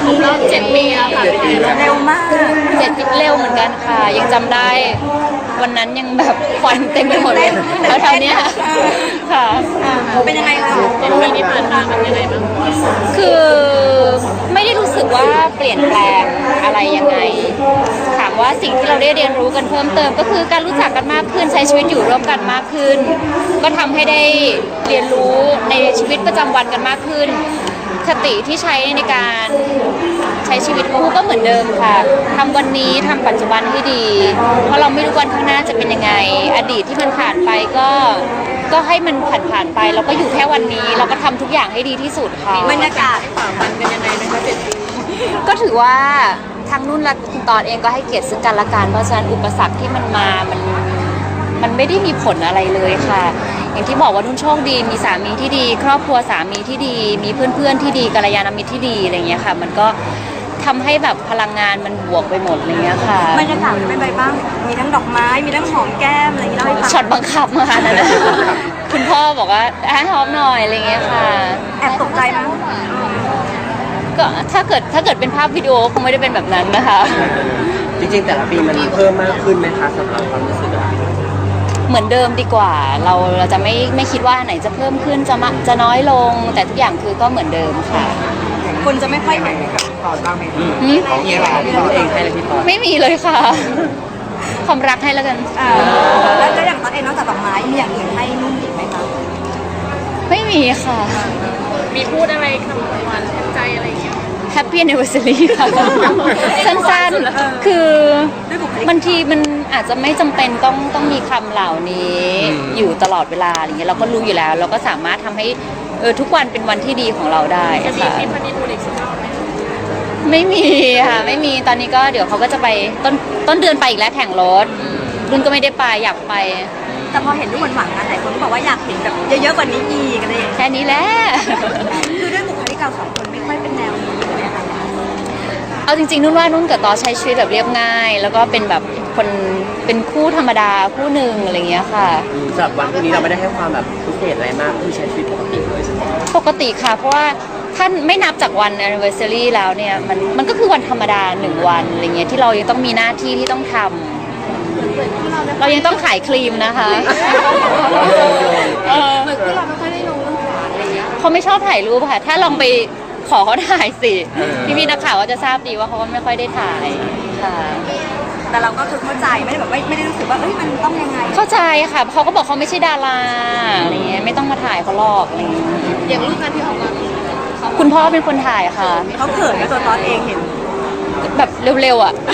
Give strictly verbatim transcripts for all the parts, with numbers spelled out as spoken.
ครบรอบเจ็ดปีแล้วค่ะเร็วมากเจ็ดปีเร็วเหมือนกันค่ะยังจำได้วันนั้นยังแบบควันเต็มไปหมดเลยแถวๆเนี้ยค่ะเป็นยังไงคะเจ็ดปีที่ผ่านมาเป็นยังไงบ้างคือไม่ได้รู้สึกว่าเปลี่ยนแปลงอะไรยังไงถามว่าสิ่งที่เราได้เรียนรู้กันเพิ่มเติมก็คือการรู้จักกันมากขึ้นใช้ชีวิตอยู่ร่วมกันมากขึ้นก็ทำให้ได้เรียนรู้ในชีวิตประจำวันกันมากขึ้นคติที่ใช้ในการใช้ชีวิตคู่ก็เหมือนเดิมค่ะทำวันนี้ทำปัจจุบันให้ดีเพราะเราไม่รู้วันข้างหน้าจะเป็นยังไงอดีตที่มันผ่านไปก็ก็ให้มันผ่านผ่านไปเราก็อยู่แค่วันนี้เราก็ทำทุกอย่างให้ดีที่สุดค่ะบรรยากาศฝ่าฟันกันยังไงนะคะเจ็ดปีก็ถือว่าทางนุ่นและคุณตอนเองก็ให้เกียรติซึ่งกันและกันเพราะฉะนั้นอุปสรรคที่มันมามันมันไม่ได้มีผลอะไรเลยค่ะอย่างที่บอกว่านุ่นโชคดีมีสามีที่ดี ครอบครัวสามีที่ดี มีเพื่อนๆที่ดีกัลยาณมิตรที่ดีอะไรเงี้ยค่ะมันก็ทำให้แบบพลังงานมันบวกไปหมดอะไรเงี้ยค่ะบรรยากาศเป็นไงบ้างมีทั้งดอกไม้มีทั้งหอมแก้มอะไรอย่างเงี้ยเล่าให้ฟังช็อตบังคับมานั่นนะคุณพ่อบอกว่าให้หอมหน่อยอะไรเงี้ยค่ะแอบตกใจไหมก็ถ้าเกิดถ้าเกิดเป็นภาพวิดีโอคงไม่ได้เป็นแบบนั้นนะคะจริงๆแต่ละปีมันเพิ่มมากขึ้นไหมคะสำหรับความรู้สึกอะเหมือนเดิมดีกว่าเราเราจะไม่ไม่คิดว่าไหนจะเพิ่มขึ้นจะมาจะน้อยลงแต่ทุกอย่างคือก็เหมือนเดิมค่ะคนจะไม่ค่อยเห็นตอนบ้างไหมของเองเหรอพี่เองให้เลยพี่ตอนไม่มีเลยค่ะความรักให้แล้วกันแล้วแล้วอย่างตอนเองนอกจากดอกไม้มีอย่างอื่นให้นุ่นอีกไหมคะไม่มีค่ะมีพูดอะไรคำหวานแทนใจอะไรอย่างเงี้ย Happy Anniversary ค่ะสั้นๆคือบางทีมันอาจจะไม่จำเป็นต้องต้องมีคำเหล่านี้อยู่ตลอดเวลาอย่างเงี้ยเราก็รู้อยู่แล้วเราก็สามารถทำให้เออทุกวันเป็นวันที่ดีของเราได้ค่ะจะมีทริปฮันนีมูนอีกสักรอบไหมไม่มีค่ะไม่มีตอนนี้ก็เดี๋ยวเขาก็จะไปต้นต้นเดือนไปอีกแล้วแข่งรถรุ่นก็ไม่ได้ไปอยากไปแต่พอเห็นรูปหวานๆนะหลายคนก็บอกว่าอยากเห็นแบบเยอะๆกว่านี้อีกอะไรอย่างเงี้ยแค่นี้แหละคือด้วยบุคลิกเราสองคนไม่ค่อยเป็นแนวนี้เลยค่ะเอาจริงๆนุ่นว่านุ่นกับตอใช้ชีวิตแบบเรียบง่ายแล้วก็เป็นแบบคนเป็นคู่ธรรมดาคู่หนึ่งอะไรเงี้ยค่ะสำหรับวันพรุ่งนี้เราไม่ได้ให้ความแบบพิเศษอะไรมากคือใช้ชีวิตปกติเลยใช่ไหมปกติค่ะเพราะว่าท่านไม่นับจากวัน anniversary แล้วเนี่ยมันมันก็คือวันธรรมดาหนึ่งวันอะไรเงี้ยที่เรายังต้องมีหน้าที่ที่ต้องทำเรายังต้องขายครีมนะคะเหมือนที่เราไม่ค่อยได้ลงเรื่องหวานอะไรเงี้ยเขาไม่ชอบถ่ายรูปค่ะถ้าลองไปขอเขาถ่ายสิพี่พี่นักข่าวก็จะทราบดีว่าเขาก็ไม่ค่อยได้ถ่ายค่ะแต่เราก็คือเข้าใจไม่ได้แบบไม่ได้รู้สึกว่าเอ้ยมันต้องยังไงเข้าใจค่ะเขาก็บอกเขาไม่ใช่ดาราอะไรเงี้ยไม่ต้องมาถ่ายเขาหรอกอะไรเงี้ยอย่างรูปงานที่ออกมาคุณพ่อเป็นคนถ่ายค่ะเขาเขินกับตัวตอนเองเห็นแบบเร็วๆอ่ะ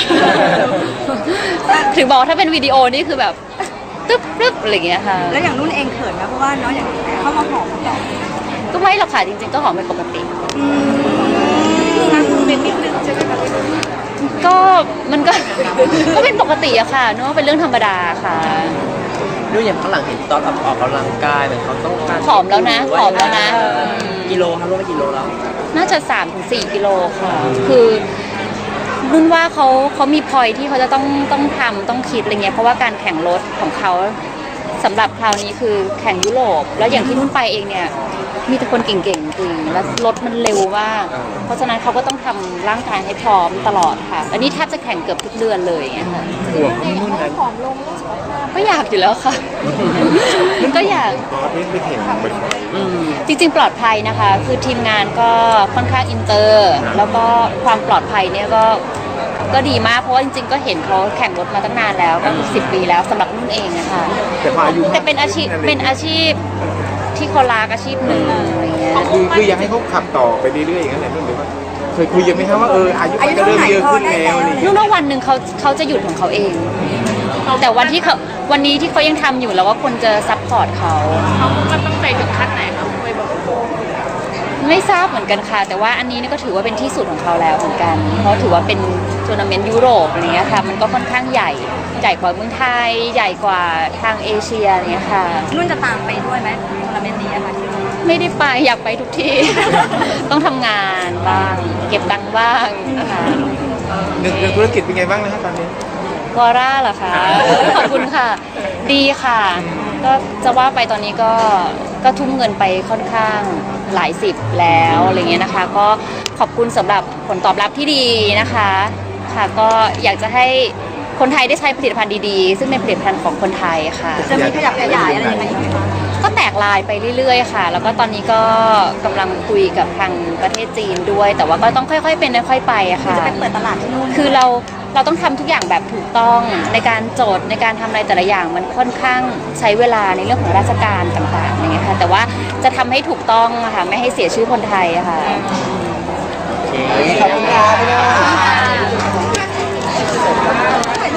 ถึงบอกถ้าเป็นวิดีโอนี่คือแบบตึ๊บตึ๊บอะไรเงี้ยค่ะแล้วอย่างนุ่นเองเขินนะเพราะว่าน้องอย่างเข้ามาหอมต่อก็ไม่หรอกค่ะจริงๆก็หอมเป็นปกตินั่งเป็นนิดนึงใช่ไหมคะก็มันก็ก็เป็นปกติอะค่ะนึกว่าเป็นเรื่องธรรมดาค่ะดูอย่างข้างหลังเห็นตอนออกกำลังกายเหมือนเขาต้องการผอมแล้วนะผอมแล้วนะกิโลครับรู้ไหมกิโลแล้วน่าจะสามถึงสี่กิโลค่ะคือนุ่นว่าเขาเขามีพอยที่เขาจะต้องต้องทำต้องคิดอะไรเงี้ยเพราะว่าการแข่งรถของเขาสำหรับคราวนี้คือแข่งยุโรปแล้วอย่างที่นุ่นไปเองเนี่ยมีแต่คนเก่งๆจริงแล้วรถมันเร็วมากเพราะฉะนั้นเขาก็ต้องทำร่างกายให้พร้อมตลอดค่ะอันนี้แทบจะแข่งเกือบทุกเดือนเลยอย่างเงี้ยค่ะห่วงที่นุ่นนั้นก็อยากอยู่แล้วค่ะก็อยากไม่เห็นจริงๆปลอดภัยนะคะคือทีมงานก็ค่อนข้างอินเตอร์แล้วก็ความปลอดภัยเนี่ยก็ก็ดีมากเพราะว่าจริงๆก็เห็นเขาแข่งรถมาตั้งนานแล้วก็สิบปีแล้วสำหรับนุ่นเองนะคะแต่พออายุแต่เป็นอาชีพเป็นอาชีพที่เขารักอาชีพหนึ่งอะไรเงี้ยคือคือยังให้เขาขับต่อไปเรื่อยๆอย่างนั้นแหละนุ่นหรือว่าเคยคุยกันไหมครับว่าเอออายุมันจะเริ่มเยอะขึ้นแล้วนี่นุ่นว่าวันหนึ่งเขาเขาจะหยุดของเขาเองแต่วันที่เขาวันนี้ที่เขายังทำอยู่แล้วว่าคนจะซัพพอร์ตเขาเขาก็ต้องไปถึงขั้นไหนคะไปบอกไม่ทราบเหมือนกันค่ะแต่ว่าอันนี้ก็ถือว่าเป็นที่สุดของเขาแล้วเหมือนกันเพราะถือว่าเป็นทัวร์นาเมนต์ยุโรปอะไรเงี้ยค่ะมันก็ค่อนข้างใหญ่ใหญ่กว่าเมืองไทยใหญ่กว่าทางเอเชียเนี้ยค่ะนุ่นจะตามไปด้วยไหมทัวร์นาเมนต์นี้ค่ะไม่ได้ไปอยากไปทุกที่ ต้องทำงานบ้างเก็บตังค์บ้างนะคะเรื่องธุรกิจเป็นไงบ้างนะครับตอนนี้วอร่าเหรอคะขอบคุณค่ะดีค่ะก็จะว่าไปตอนนี้ก็ก็ทุ่มเงินไปค่อนข้างหลายสิบแล้วอะไรเงี้ยนะคะ ก็ขอบคุณสำหรับผลตอบรับที่ดีนะคะค่ะก็อยากจะให้คนไทยได้ใช้ผลิตภัณฑ์ดีๆซึ่งเป็นผลิตภัณฑ์ของคนไทยค่ะจะมีขยับขยายอะไรยังไงอีกไหมคะก็แตกลายไปเรื่อยๆค่ะ แล้วก็ตอนนี้ก็กำลังคุยกับทางประเทศจีนด้วย แต่ว่าก็ต้องค่อยๆเป็นค่อยๆไปอะค่ะจะไปเปิดตลาดที่นู่นคือเราเราต้องทำทุกอย่างแบบถูกต้องในการโจทย์ในการทำอะไรแต่ละอย่างมันค่อนข้างใช้เวลาในเรื่องของราชการต่างๆอย่างเงี้ยค่ะแต่ว่าจะทำให้ถูกต้องอะค่ะไม่ให้เสียชื่อคนไทยอะค่ะขอบคุณค่ะพี่น้องถ่าย